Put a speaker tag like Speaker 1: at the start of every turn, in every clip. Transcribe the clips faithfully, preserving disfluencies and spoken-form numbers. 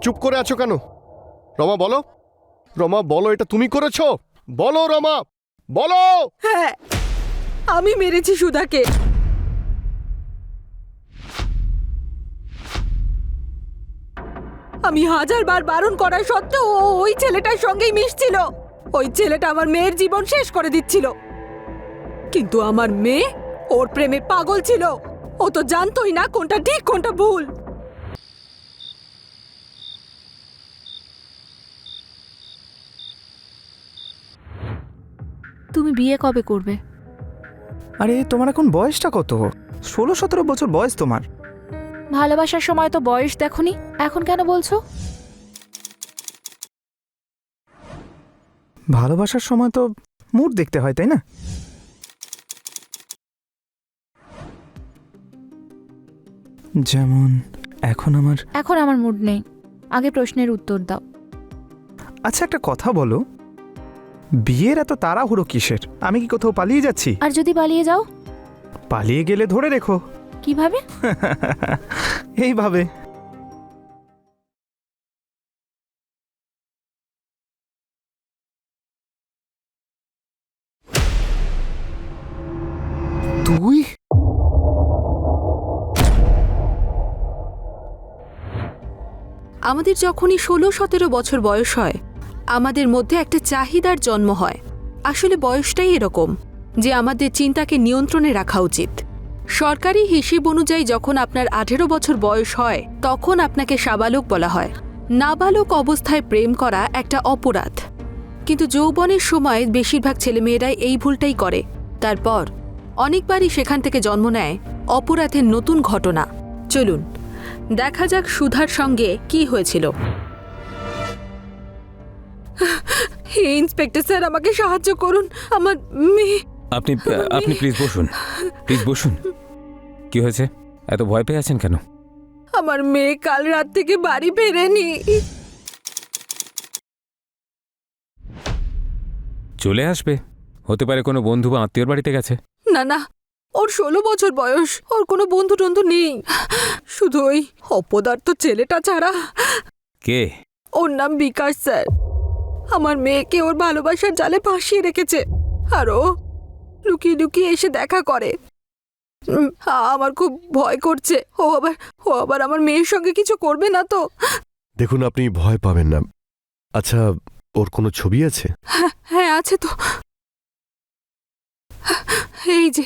Speaker 1: চুপ করে আছো কেন? রমা বলো, রমা বলো, এটা তুমি করেছো? বলো রমা, বলো।
Speaker 2: হ্যাঁ, আমি মেরেছি সুধাকে। আমি হাজার বার বারণ করা সত্ত্বেও ও ওই ছেলেটার সঙ্গেই মিশছিল। ওই ছেলেটা আমার মেয়ের জীবন শেষ করে দিচ্ছিল, কিন্তু আমার মেয়ে ওর প্রেমে পাগল ছিল। ও তো জানতোই না কোনটা ঠিক কোনটা ভুল।
Speaker 3: তুমি বিয়ে কবে করবে?
Speaker 4: আরে তোমার এখন বয়সটা কত? ষোলো সতেরো বছর বয়স তোমার।
Speaker 3: ভালোবাসার সময় তো বয়স দেখোনি, এখন কেন বলছো?
Speaker 4: ভালোবাসার সময় তো মুড দেখতে হয়, তাই না? যেমন এখন আমার।
Speaker 3: এখন আমার মুড নেই, আগে প্রশ্নের উত্তর দাও।
Speaker 4: আচ্ছা একটা কথা বলো, বিয়ের এত তাড়াহুড়ো কিসের? আমি কি কোথাও পালিয়ে যাচ্ছি?
Speaker 3: আর যদি পালিয়ে যাও?
Speaker 4: পালিয়ে গেলে ধরে রেখো।
Speaker 3: কিভাবে?
Speaker 4: এইভাবে। তুই?
Speaker 2: আমাদের যখনই ষোলো সতেরো বছর বয়স হয়, আমাদের মধ্যে একটা চাহিদার জন্ম হয়। আসলে বয়সটাই এরকম যে আমাদের চিন্তাকে নিয়ন্ত্রণে রাখা উচিত। সরকারি হিসেব অনুযায়ী যখন আপনার আঠেরো বছর বয়স হয় তখন আপনাকে সাবালক বলা হয়। নাবালক অবস্থায় প্রেম করা একটা অপরাধ, কিন্তু যৌবনের সময় বেশিরভাগ ছেলেমেয়েরাই এই ভুলটাই করে। তারপর অনেকবারই সেখান থেকে জন্ম নেয় অপরাধের নতুন ঘটনা। চলুন দেখা যাক সুধার সঙ্গে কি হয়েছিল। হে ইন্সপেক্টর স্যার, আমাকে সাহায্য করুন। আমার মেয়ে।
Speaker 5: আপনি আপনি প্লিজ বসুন, প্লিজ বসুন। কি হয়েছে? এত ভয় পেয়ে আছেন কেন?
Speaker 2: আমার মেয়ে কাল রাত থেকে বাড়ি ফেরেনি।
Speaker 5: চলে আসবে, হতে পারে কোনো বন্ধু বা আত্মীয়র বাড়িতে গেছে।
Speaker 2: না না, ওর ষোলো বছর বয়স, ওর কোনো বন্ধু টন্ধু নেই, শুধু ওই অপদার্থ ছেলেটা ছাড়া।
Speaker 5: কে?
Speaker 2: ওর নাম বিকাশ স্যার। আমার মেয়েকে ওর ভালোবাসার জালে ফাঁসিয়ে রেখেছে, আর ও লুকিয়ে লুকিয়ে এসে দেখা করে। উম, আমার খুব ভয় করছে ও আবার ও আবার আমার মেয়ের সঙ্গে কিছু করবে না তো।
Speaker 1: দেখুন, আপনি ভয় পাবেন না। আচ্ছা, ওর কোনো ছবি আছে?
Speaker 2: হ্যাঁ হ্যাঁ আছে তো, এই যে।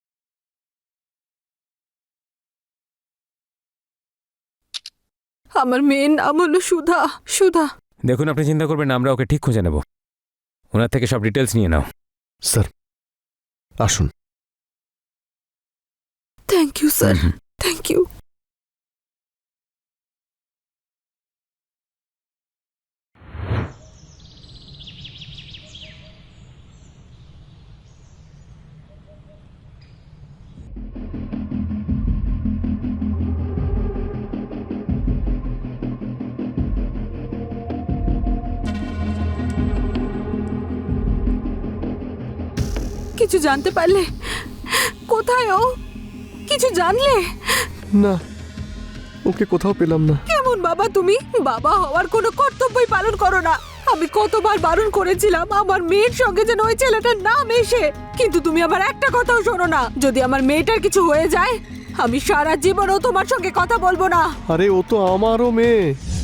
Speaker 2: আমার মেয়ের নাম হলো সুধা। সুধা।
Speaker 5: দেখুন, আপনি চিন্তা করবেন না, আমরা ওকে ঠিক খুঁজে নেব। ওনার থেকে সব ডিটেলস নিয়ে নাও।
Speaker 1: স্যার আসুন।
Speaker 2: Thank you sir, thank you. কিছু জানতে পারলে? কোথায় ও? কিছু জানলে?
Speaker 1: না, ওকে কোথাও পেলাম না।
Speaker 2: কেমন বাবা তুমি? বাবা হওয়ার কোনো কর্তব্যই পালন করো না। আমি কতবার বারণ করেছিলাম আমার মেয়ের সঙ্গে যেন ওই ছেলেটার নাম এসে, কিন্তু তুমি আবার একটা কথাও শোনো না। যদি আমার মেয়েটার কিছু হয়ে যায়, আমি সারা জীবনও তোমার সঙ্গে কথা বলবো না।
Speaker 1: আরে ও তো আমারও মেয়ে,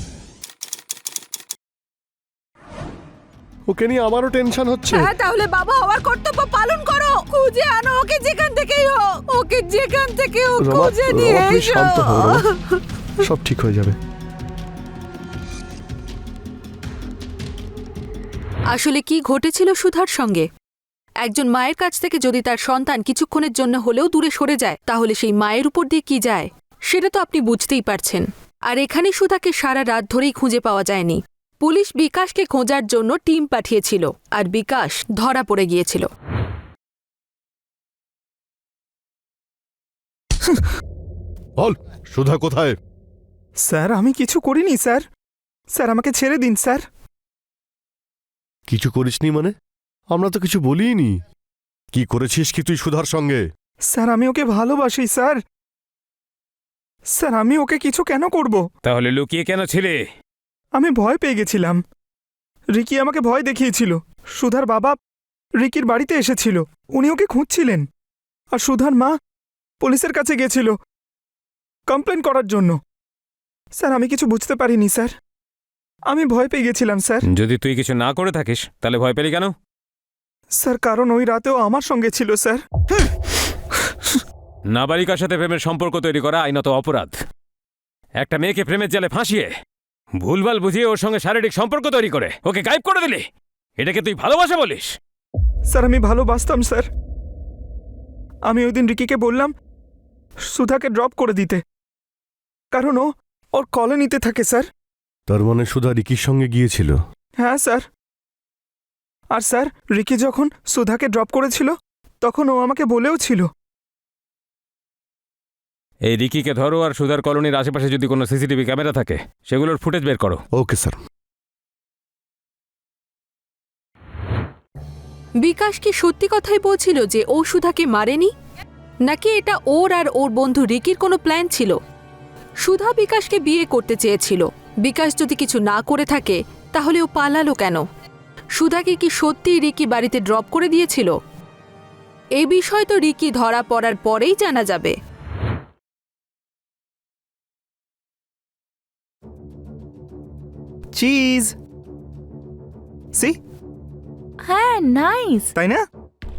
Speaker 1: ওকে নিয়ে আমারও টেনশন হচ্ছে।
Speaker 2: হ্যাঁ, তাহলে বাবা হওয়ার কর্তব্য পালন করো। খুঁজে আনো ওকে, যেখান থেকেই হোক। ওকে যেখান থেকে হোক
Speaker 1: রমা,
Speaker 2: খুঁজে নিয়ে
Speaker 1: রমা, তুমি
Speaker 2: এসো।
Speaker 1: শান্ত হও রমা। সব ঠিক হয়ে যাবে।
Speaker 2: আসলে কি ঘটেছিল সুধার সঙ্গে? একজন মায়ের কাছ থেকে যদি তার সন্তান কিছুক্ষণের জন্য হলেও দূরে সরে যায়, তাহলে সেই মায়ের উপর দিয়ে কি যায় সেটা তো আপনি বুঝতেই পারছেন। আর এখানে সুধাকে সারা রাত ধরেই খুঁজে পাওয়া যায়নি। পুলিশ বিকাশকে খোঁজার জন্য টিম পাঠিয়েছিল, আর বিকাশ ধরা পড়ে গিয়েছিল।
Speaker 1: বল, সুধা কোথায়?
Speaker 4: স্যার আমি কিছু করিনি স্যার। স্যার আমাকে ছেড়ে দিন স্যার।
Speaker 1: কিছু করিসনি মানে? আমরা তো কিছু বলিনি। কি করেছিস কি তুই সুধার সঙ্গে?
Speaker 4: স্যার আমি ওকে ভালোবাসি স্যার। স্যার আমি ওকে কিছু কেন করব?
Speaker 5: তাহলে লুকিয়ে কেন ছিলে?
Speaker 4: আমি ভয় পেয়ে গেছিলাম। রিকি আমাকে ভয় দেখিয়েছিল। সুধার বাবা রিকির বাড়িতে এসেছিল, উনি ওকে খুঁজছিলেন। আর সুধার মা পুলিশের কাছে গেছিল কমপ্লেন করার জন্য। স্যার আমি কিছু বুঝতে পারিনি স্যার, আমি ভয় পেয়ে গেছিলাম স্যার।
Speaker 5: যদি তুই কিছু না করে থাকিস তাহলে ভয় পেলি কেন?
Speaker 4: স্যার কারণ ওই রাতেও আমার সঙ্গে ছিল স্যার।
Speaker 5: নাবালিকার সাথে প্রেমের সম্পর্ক তৈরি করা আইনত অপরাধ। একটা মেয়েকে প্রেমের জালে ফাঁসিয়ে ভুলভাল বুঝিয়ে ওর সঙ্গে শারীরিক সম্পর্ক তৈরি করে ওকে গায়েব করে দিলি, এটাকে তুই ভালোবাসা বলিস?
Speaker 4: স্যার আমি ভালোবাসতাম স্যার। আমি ওই দিন রিকিকে বললাম সুধাকে ড্রপ করে দিতে, কারণ ও ওর কলোনিতে থাকে স্যার।
Speaker 1: তার মানে সুধা রিকির সঙ্গে গিয়েছিল?
Speaker 4: হ্যাঁ স্যার। আর স্যার রিকি যখন সুধাকে ড্রপ করেছিল তখন ও আমাকে বলেও ছিল।
Speaker 5: এই রিকিকে ধরো, আর সুধার কলোনির আশেপাশে যদি কোনো সিসিটিভি ক্যামেরা থাকে সেগুলোর ফুটেজ বের করো।
Speaker 1: Okay sir.
Speaker 2: বিকাশ কি সত্যি কথাই বলছিল যে ও সুধাকে মারেনি, নাকি এটা ওর আর ওর বন্ধু রিকির কোনো প্ল্যান ছিল? সুধা বিকাশকে বিয়ে করতে চেয়েছিল। বিকাশ যদি কিছু না করে থাকে তাহলে ও পালালো কেন? সুধাকে কি সত্যি রিকি বাড়িতে ড্রপ করে দিয়েছিল? এই বিষয় তো রিকি ধরা পড়ার পরেই জানা যাবে।
Speaker 4: চিজ সি,
Speaker 3: হ্যাঁ নাইস।
Speaker 4: তাই না?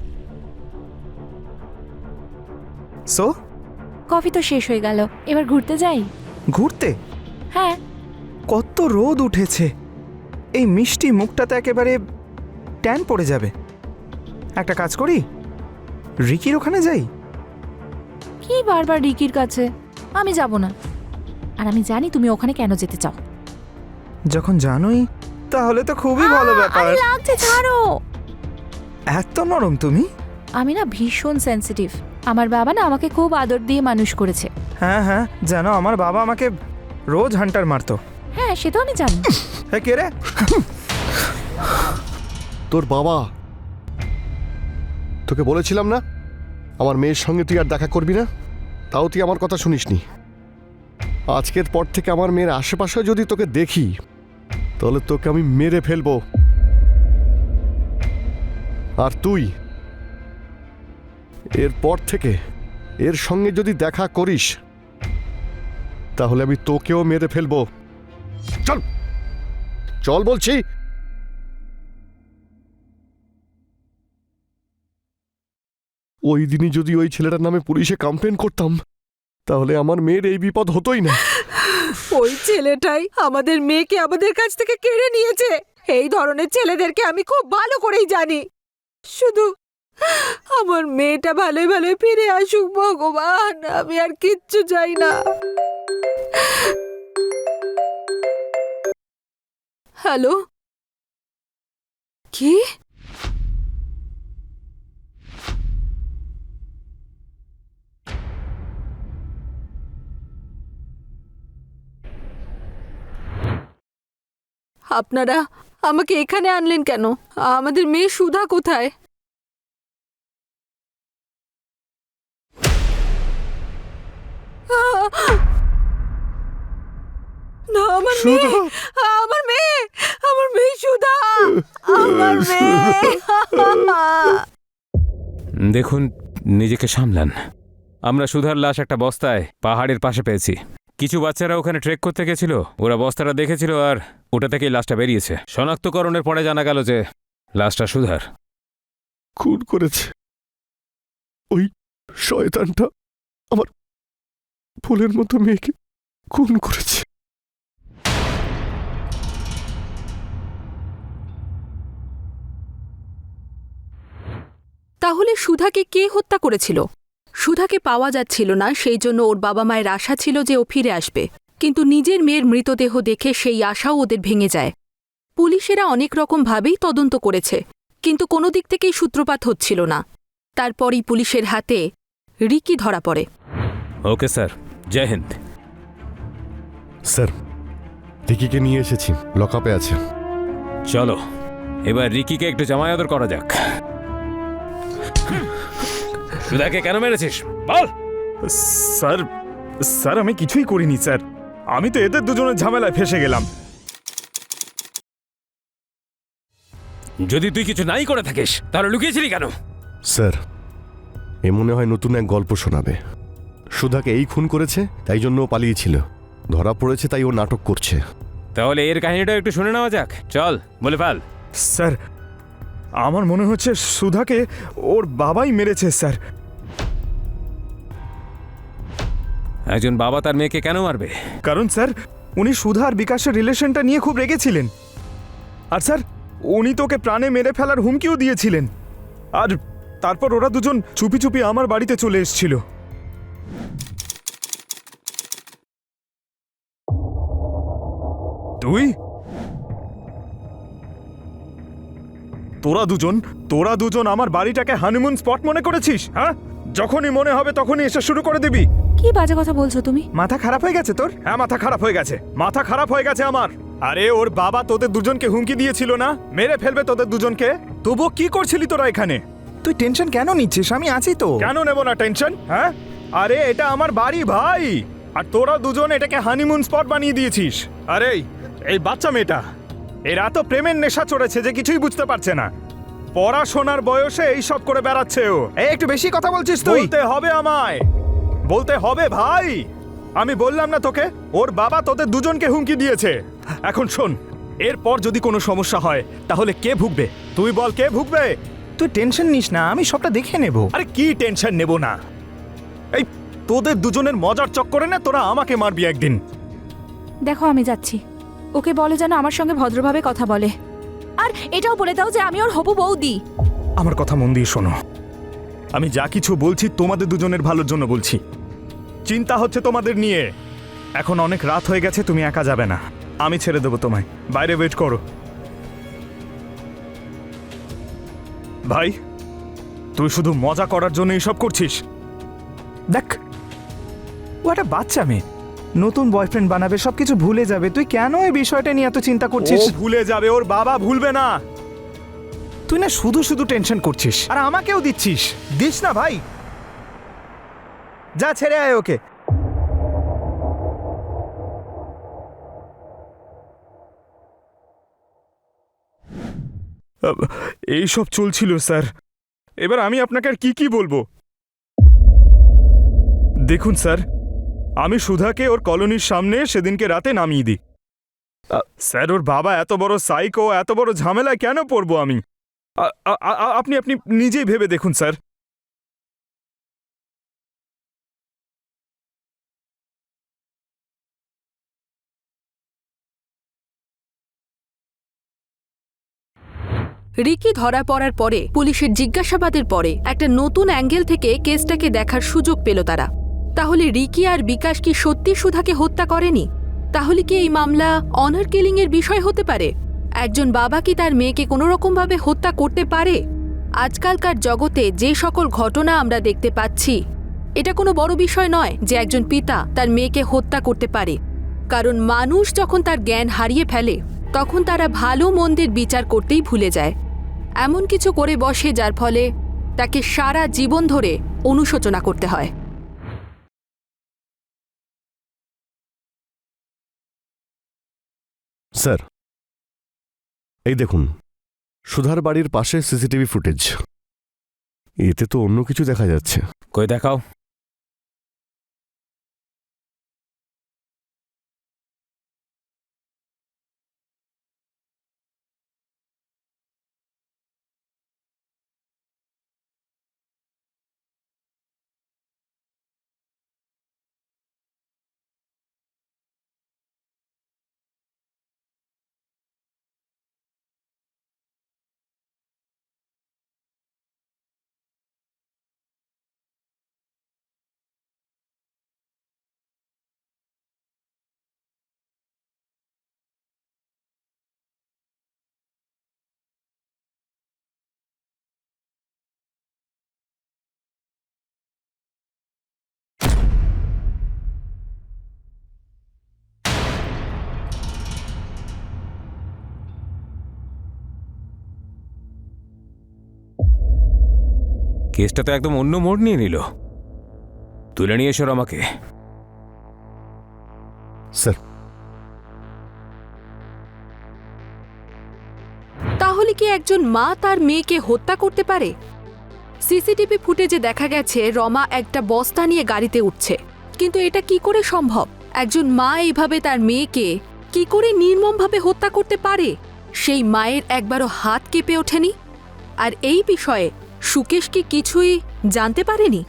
Speaker 4: সো
Speaker 3: কফি তো শেষ হয়ে গেল, এবার ঘুরতে যাই।
Speaker 4: ঘুরতে?
Speaker 3: হ্যাঁ।
Speaker 4: কত রোদ উঠেছে, এই মিষ্টি মুখটাতে একেবারে ট্যান পড়ে যাবে। একটা কাজ করি, রিকির ওখানে যাই।
Speaker 3: কি বারবার রিকির কাছে? আমি যাব না। আর আমি জানি তুমি ওখানে কেন যেতে চাও।
Speaker 4: যখন জানোই তাহলে তো খুবই ভালো
Speaker 3: আহ,
Speaker 4: ব্যাপার।
Speaker 3: আরে লাগছে, ছাড়ো।
Speaker 4: এত নরম তুমি?
Speaker 3: আমি না ভীষণ সেনসিটিভ। আমার বাবা না আমাকে খুব আদর দিয়ে মানুষ করেছে।
Speaker 4: হ্যাঁ হ্যাঁ জানো, আমার বাবা আমাকে রোজ হান্টার মারতো।
Speaker 3: হ্যাঁ সে তো আমি জানি।
Speaker 4: হ্যাঁ কে রে?
Speaker 1: তোর বাবা? তোকে বলেছিলাম না আমার মেয়ের সঙ্গে তুই আর দেখা করবি না, তাও তুই আমার কথা শুনিসনি। আজকের পর থেকে আমার মেয়ের আশেপাশে যদি তোকে দেখি তাহলে তোকে আমি মেরে ফেলবো। আর তুই এরপর থেকে এর সঙ্গে যদি দেখা করিস তাহলে আমি তোকেও মেরে ফেলবো। চল চল বলছি। ওই দিনই যদি ওই ছেলেটার নামে পুলিশে কমপ্লেন করতাম তাহলে আমার মেয়ের এই বিপদ হতোই না।
Speaker 2: ওই ছেলেটাই আমাদের মেয়েকে আমাদের কাছ থেকে কেড়ে নিয়েছে। এই ধরনের ছেলেদেরকে আমি খুব ভালো করেই জানি। শুধু আমার মেয়েটা ভালোই ভালোই ফিরে আসুক ভগবান, আমি আর কিচ্ছু চাই না। হ্যালো, কি? আপনারা আমাকে এখানে আনলেন কেন? আমাদের মেয়ে সুধা কোথায়? না, আমার মেয়ে, আমার মেয়ে, আমার মেয়ে সুধা, আমার মেয়ে।
Speaker 5: দেখুন, নিজেকে সামলান। আমরা সুধার লাশ একটা বস্তায় পাহাড়ের পাশে পেয়েছি। কিছু বাচ্চারা ওখানে ট্রেক করতে গেছিল, ওরা বস্তাটা দেখেছিল আর ওটা থেকেই লাশটা বেরিয়েছে। শনাক্তকরণের পরে জানা গেল যে লাশটা সুধার।
Speaker 1: খুন করেছে ওই শয়তানটা, আমার ফুলের মতো মেয়েকে খুন করেছে।
Speaker 2: তাহলে সুধাকে কে হত্যা করেছিল? সুধাকে পাওয়া যাচ্ছিল না, সেই জন্য ওর বাবা মায়ের আশা ছিল যে ও ফিরে আসবে। কিন্তু নিজের মেয়ের মৃতদেহ দেখে সেই আশাও ওদের ভেঙে যায়। পুলিশেরা অনেক রকমভাবেই তদন্ত করেছে, কিন্তু কোনো দিক থেকেই সূত্রপাত হচ্ছিল না। তারপরই পুলিশের হাতে রিকি ধরা পড়ে।
Speaker 5: Okay sir, Jai Hind.
Speaker 1: Sir, রিকিকে নিয়ে এসেছি, লকআপে আছে।
Speaker 5: চলো এবার রিকিকে একটু জামায়াদর করা যাক। সুধাকে কেন মেরেছিস বল?
Speaker 4: স্যার স্যার আমি কিছুই করিনি স্যার, আমি তো এদের দুজনের ঝামেলায় ফেসে গেলাম।
Speaker 5: যদি তুই কিছু নাই করে থাকিস তাহলে লুকিয়েছিলি কেন?
Speaker 1: স্যার, এ মনে হয় নতুন এক গল্প শোনাবে। সুধাকে এই খুন করেছে, তাই জন্য ও পালিয়েছিল। ধরা পড়েছে, তাই ও নাটক করছে।
Speaker 5: তাহলে এর কাহিনীটা একটু শুনে নেওয়া যাক। চল বলে ফেল।
Speaker 4: স্যার, আমার মনে হচ্ছে সুধাকে ওর বাবাই মেরেছে স্যার।
Speaker 5: একজন বাবা তার মেয়েকে কেন মারবে?
Speaker 4: কারণ স্যার, উনি সুধা আর বিকাশের রিলেশনটা নিয়ে খুব রেগেছিলেন। আর স্যার, উনি তোকে প্রাণে মেরে ফেলার হুমকিও দিয়েছিলেন। আর তারপর ওরা দুজন চুপি চুপি আমার বাড়িতে চলে এসেছিল। তুই তোরা দুজন তোরা দুজন আমার বাড়িটাকে হানিমুন স্পট মনে করেছিস? হ্যাঁ, যখনই মনে হবে তখনই এসে শুরু করে দিবি।
Speaker 3: কি বাজে কথা বলছো তুমি?
Speaker 4: মাথা খারাপ হয়ে গেছে তোর? হ্যাঁ, মাথা খারাপ হয়ে গেছে, মাথা খারাপ হয়ে গেছে আমার। আরে ওর বাবা তোদের দুজনকে হুমকি দিয়েছিল না, মেরে ফেলবে তোদের দুজনকে। তবুও কি করছিলি তোরা এখানে?
Speaker 6: তুই টেনশন কেন নিচ্ছিস? আমি আছি তো।
Speaker 4: কেন নেব না টেনশন? হ্যাঁ, আরে এটা আমার বাড়ি ভাই, আর তোরা দুজন এটাকে হানিমুন স্পট বানিয়ে দিয়েছিস। আরে এই বাচ্চা মেয়েটা, এর এত প্রেমের নেশা চড়েছে যে কিছুই বুঝতে পারছে না। পড়াশোনার বয়সে এইসব করে বেড়াচ্ছে ও।
Speaker 6: এই একটু বেশি কথা বলছিস তুই।
Speaker 4: বলতে হবে আমায়, বলতে হবে ভাই। আমি বললাম না তোকে, ওর বাবা তোদের দুজনকে হুমকি দিয়েছে। এখন শোন, এরপর যদি কোনো সমস্যা হয় তাহলে কে ভুগবে? তুই বল, কে ভুগবে?
Speaker 6: তুই টেনশন নিস না, আমি সবটা দেখে নেব।
Speaker 4: আরে কি টেনশন নেব না? এই তোদের দুজনের মজার চক্করে না তোরা আমাকে মারবি একদিন।
Speaker 3: দেখো, আমি যাচ্ছি। ওকে বলে যেন আমার সঙ্গে ভদ্রভাবে কথা বলে। আর এটাও বলে দাও যে আমি ওর হবু বৌদি।
Speaker 4: আমার কথা মন দিয়ে শোনো, আমি যা কিছু বলছি তোমাদের দুজনের ভালোর জন্য বলছি। চিন্তা হচ্ছে তোমাদের নিয়ে। এখন অনেক রাত হয়ে গেছে, তুমি একা যাবে না, আমি ছেড়ে দেবো তোমায়। বাইরে ওয়েট করো। ভাই, তুই শুধু মজা করার জন্য এইসব করছিস?
Speaker 6: দেখ, ও একটা বাচ্চা মেয়ে, নতুন বয়ফ্রেন্ড বানাবে, সবকিছু ভুলে যাবে। তুই কেন এই বিষয়টা নিয়ে এত চিন্তা করছিস?
Speaker 4: ও ভুলে যাবে, ওর বাবা ভুলবে না।
Speaker 6: তুই না শুধু শুধু টেনশন করছিস, আর আমাকেও দিচ্ছিস। দিস না ভাই, যা ছেড়ে আয় ওকে।
Speaker 4: এইসব চলছিল স্যার। এবার আমি আপনাকে আর কি কি বলবো? দেখুন স্যার, আমি সুধাকে ওর কলোনির সামনে সেদিনকে রাতে নামিয়ে দিই। স্যার, ওর বাবা এত বড় সাইকো, এত বড় ঝামেলায় কেন পড়বো আমি? আ- আ- আ- আপনি আপনি নিজেই ভেবে দেখুন স্যার।
Speaker 2: রিকি ধরা পড়ার পরে পুলিশের জিজ্ঞাসাবাদের পরে একটা নতুন অ্যাঙ্গেল থেকে কেসটাকে দেখার সুযোগ পেল তারা। তাহলে রিকি আর বিকাশ কি সত্যি সুধাকে হত্যা করেনি? তাহলে কি এই মামলা অনার কিলিং এর বিষয় হতে পারে? একজন বাবা কি তার মেয়েকে কোনো রকমভাবে হত্যা করতে পারে? আজকালকার জগতে যে সকল ঘটনা আমরা দেখতে পাচ্ছি, এটা কোনো বড় বিষয় নয় যে একজন পিতা তার মেয়েকে হত্যা করতে পারে। কারণ মানুষ যখন তার জ্ঞান হারিয়ে ফেলে তখন তারা ভালো মন্দের বিচার করতেই ভুলে যায়। এমন কিছু করে বসে যার ফলে তাকে সারা জীবন ধরে অনুশোচনা করতে হয়।
Speaker 1: স্যার, এই দেখুন, সুধার বাড়ির পাশে সিসিটিভি ফুটেজ। এতে তো অন্য কিছু দেখা যাচ্ছে।
Speaker 5: কই দেখাও। কেসটা তো একদম অন্য মোড় নিয়ে নিল। তুলে নিয়ে এসো আমাকে।
Speaker 1: স্যার,
Speaker 2: তাহলে কি একজন মা তার মেয়েকে হত্যা করতে পারে? সিসিটিভি ফুটেজে দেখা গেছে রমা একটা বস্তা নিয়ে গাড়িতে উঠছে, কিন্তু এটা কি করে সম্ভব? একজন মা এইভাবে তার মেয়েকে কি করে নির্মমভাবে হত্যা করতে পারে? সেই মায়ের একবারও হাত কেঁপে ওঠেনি? আর এই বিষয়ে সুকেশ কি কিছুই জানতে পারেনি?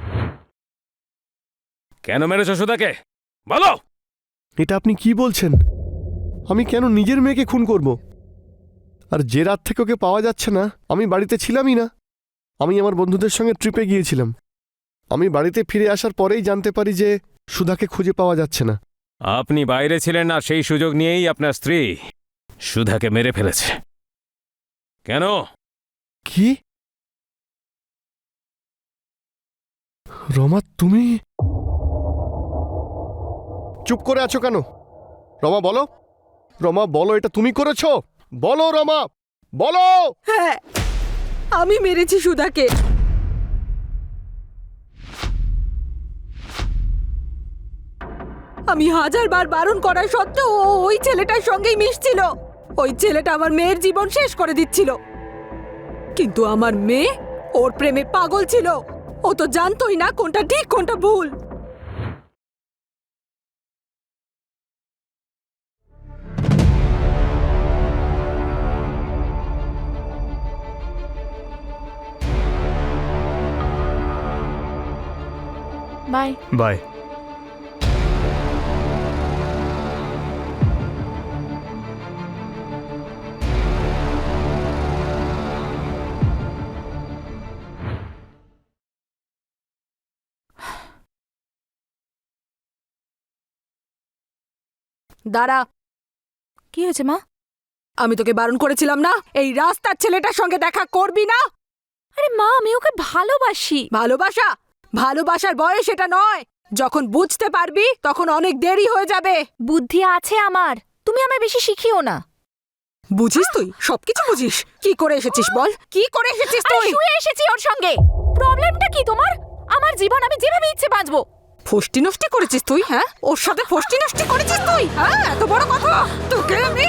Speaker 5: কেন মেরেছ সুধাকে বলো?
Speaker 1: এটা আপনি কি বলছেন? আমি কেন নিজের মেয়েকে খুন করব? আর যে রাত থেকে ওকে পাওয়া যাচ্ছে না আমি বাড়িতে ছিলামই না। আমি আমার বন্ধুদের সঙ্গে ট্রিপে গিয়েছিলাম। আমি বাড়িতে ফিরে আসার পরেই জানতে পারি যে সুধাকে খুঁজে পাওয়া যাচ্ছে না।
Speaker 5: আপনি বাইরে ছিলেন আর সেই সুযোগ নিয়েই আপনার স্ত্রী সুধাকে মেরে ফেলেছে। কেন?
Speaker 1: কি? রমা, তুমি চুপ করে আছো কেন? রমা বলো, রমা বলো, এটা তুমি করেছো? বলো রমা, বলো।
Speaker 2: হ্যাঁ, আমি মেরেছি সুধাকে। আমি হাজার বার বারণ করা সত্ত্বেও ও ওই ছেলেটার সঙ্গেই মিশছিল। ওই ছেলেটা আমার মেয়ের জীবন শেষ করে দিচ্ছিল, কিন্তু আমার মেয়ে ওর প্রেমে পাগল ছিল। ও তো জানতোই না কোনটা ঠিক কোনটা ভুল।
Speaker 3: বাই।
Speaker 6: বাই।
Speaker 2: দাঁড়া।
Speaker 3: কি হয়েছে মা?
Speaker 2: আমি তোকে বারণ করেছিলাম না এই রাস্তার ছেলেটার সঙ্গে দেখা করবি না?
Speaker 3: আরে মা, আমি ওকে ভালোবাসি।
Speaker 2: ভালোবাসা? ভালোবাসার বয়স এটা নয়। যখন বুঝতে পারবি তখন অনেক দেরি হয়ে যাবে।
Speaker 3: বুদ্ধি আছে আমার, তুমি আমায় বেশি শিখিও না।
Speaker 2: বুঝিস তুই? সবকিছু বুঝিস? কি করে এসেছিস বল? কি করে এসেছিস
Speaker 3: আরে
Speaker 2: তুই?
Speaker 3: শুয়ে এসেছি ওর সঙ্গে। প্রবলেমটা কি তোমার? আমার জীবন আমি যেভাবে ইচ্ছে বাঁচবো।
Speaker 2: ফষ্টি নষ্টি করেছিস তুই? হ্যাঁ, ওর সাথে ফষ্টি নষ্টি করেছিস তুই? হ্যাঁ, এত বড় কথা তোকে আমি।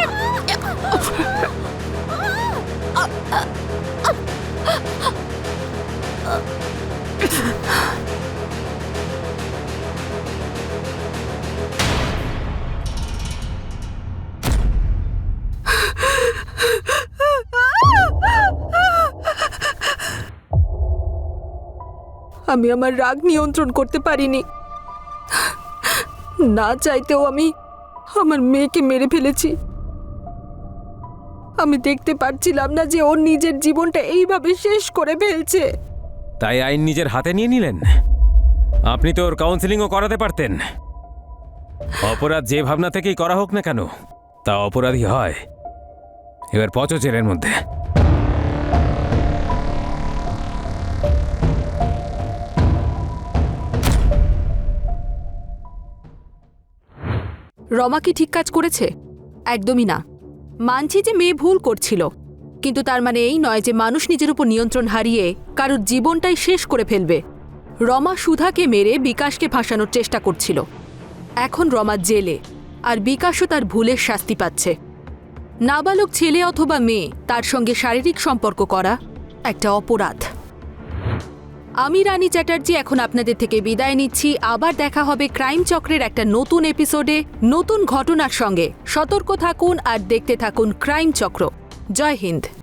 Speaker 2: আমি আমার রাগ নিয়ন্ত্রণ করতে পারিনি। না চাইতেও আমি আমার মেয়েকে মেরে ফেলেছি। আমি দেখতে পারছিলাম না যে ওর নিজের জীবনটা এইভাবে শেষ করে ফেলছে।
Speaker 5: তাই আইন নিজের হাতে নিয়ে নিলেন? আপনি তো ওর কাউন্সেলিংও করাতে পারতেন। অপরাধ যে ভাবনা থেকেই করা হোক না কেন, তা অপরাধী হয়। এবার পচো জেলের মধ্যে।
Speaker 2: রমা কি ঠিক কাজ করেছে? একদমই না। মানছি যে মেয়ে ভুল করছিল, কিন্তু তার মানে এই নয় যে মানুষ নিজের উপর নিয়ন্ত্রণ হারিয়ে কারোর জীবনটাই শেষ করে ফেলবে। রমা সুধাকে মেরে বিকাশকে ফাঁসানোর চেষ্টা করছিল। এখন রমা জেলে, আর বিকাশও তার ভুলের শাস্তি পাচ্ছে। নাবালক ছেলে অথবা মেয়ে তার সঙ্গে শারীরিক সম্পর্ক করা একটা অপরাধ। আমি রানী চ্যাটার্জি এখন আপনাদের থেকে বিদায় নিচ্ছি। আবার দেখা হবে ক্রাইম চক্রের একটা নতুন এপিসোডে নতুন ঘটনার সঙ্গে। সতর্ক থাকুন আর দেখতে থাকুন ক্রাইম চক্র। জয় হিন্দ।